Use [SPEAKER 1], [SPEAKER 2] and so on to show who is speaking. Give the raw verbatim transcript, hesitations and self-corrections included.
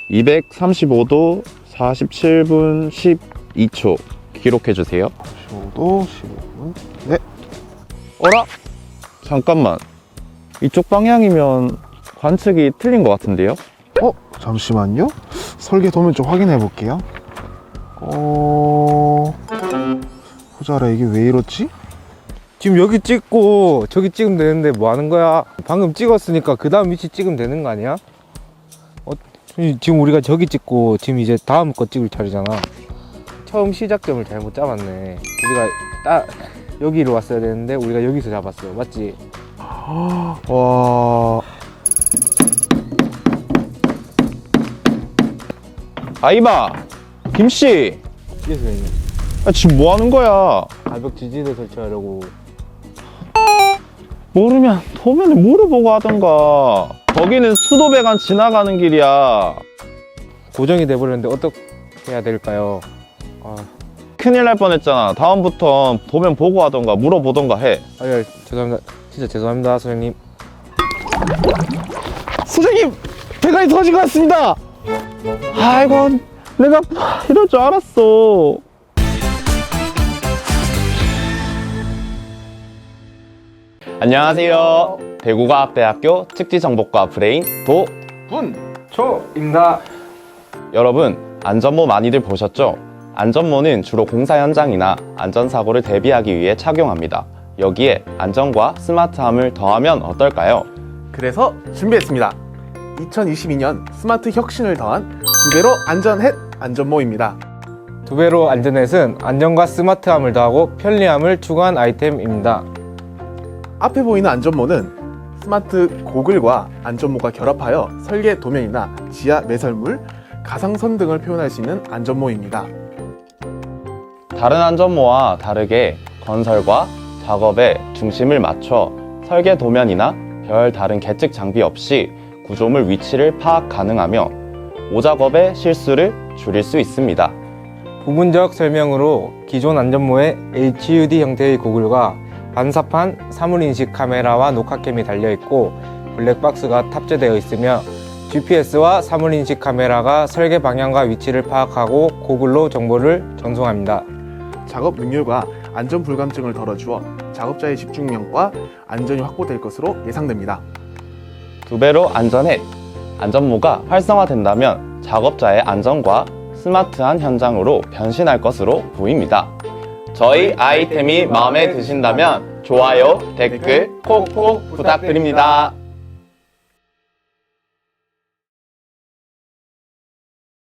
[SPEAKER 1] 이백삼십오 도 사십칠 분 십이 초 기록해주세요.
[SPEAKER 2] 십오 도 십오 분. 네.
[SPEAKER 1] 어라? 잠깐만. 이쪽 방향이면 관측이 틀린 것 같은데요?
[SPEAKER 2] 어? 잠시만요. 설계 도면 좀 확인해 볼게요. 어... 호자라 이게 왜 이렇지?
[SPEAKER 3] 지금 여기 찍고 저기 찍으면 되는데 뭐 하는 거야? 방금 찍었으니까 그 다음 위치 찍으면 되는 거 아니야? 어, 지금 우리가 저기 찍고 지금 이제 다음 거 찍을 차례잖아. 처음 시작점을 잘못 잡았네. 우리가 딱 여기로 왔어야 되는데 우리가 여기서 잡았어. 맞지?
[SPEAKER 2] 와...
[SPEAKER 1] 아이마! 김씨!
[SPEAKER 3] 예, 선생님.
[SPEAKER 1] 아, 지금 뭐 하는 거야?
[SPEAKER 3] 가벽 지지대 설치하려고.
[SPEAKER 1] 모르면 도면에 물어보고 하던가. 거기는 수도배관 지나가는 길이야.
[SPEAKER 3] 고정이 돼버렸는데 어떻게 해야 될까요? 아,
[SPEAKER 1] 큰일 날 뻔했잖아. 다음부턴 도면 보고 하던가 물어보던가 해.
[SPEAKER 3] 아, 예, 죄송합니다. 진짜 죄송합니다, 선생님.
[SPEAKER 1] 선생님! 배관이 터진 것 같습니다! 아이고, 내가 이럴 줄 알았어. 안녕하세요. 대구과학대학교 특지정보과 브레인 도
[SPEAKER 3] 분초입니다.
[SPEAKER 1] 여러분, 안전모 많이들 보셨죠? 안전모는 주로 공사 현장이나 안전사고를 대비하기 위해 착용합니다. 여기에 안전과 스마트함을 더하면 어떨까요?
[SPEAKER 4] 그래서 준비했습니다. 이천이십이 년 스마트 혁신을 더한 두 배로 안전햇 안전모입니다.
[SPEAKER 3] 두 배로 안전햇은 안전과 스마트함을 더하고 편리함을 추구한 아이템입니다.
[SPEAKER 4] 앞에 보이는 안전모는 스마트 고글과 안전모가 결합하여 설계 도면이나 지하 매설물, 가상선 등을 표현할 수 있는 안전모입니다.
[SPEAKER 1] 다른 안전모와 다르게 건설과 작업에 중심을 맞춰 설계 도면이나 별 다른 계측 장비 없이 구조물 위치를 파악 가능하며 오작업의 실수를 줄일 수 있습니다.
[SPEAKER 3] 부분적 설명으로 기존 안전모에 에이치 유 디 형태의 고글과 반사판 사물인식 카메라와 녹화캠이 달려있고 블랙박스가 탑재되어 있으며 지 피 에스와 사물인식 카메라가 설계 방향과 위치를 파악하고 고글로 정보를 전송합니다.
[SPEAKER 4] 작업 능률과 안전 불감증을 덜어주어 작업자의 집중력과 안전이 확보될 것으로 예상됩니다.
[SPEAKER 1] 두 배로 안전해. 안전모가 활성화된다면 작업자의 안전과 스마트한 현장으로 변신할 것으로 보입니다. 저희 아이템이 마음에 드신다면 좋아요, 댓글 콕콕 부탁드립니다.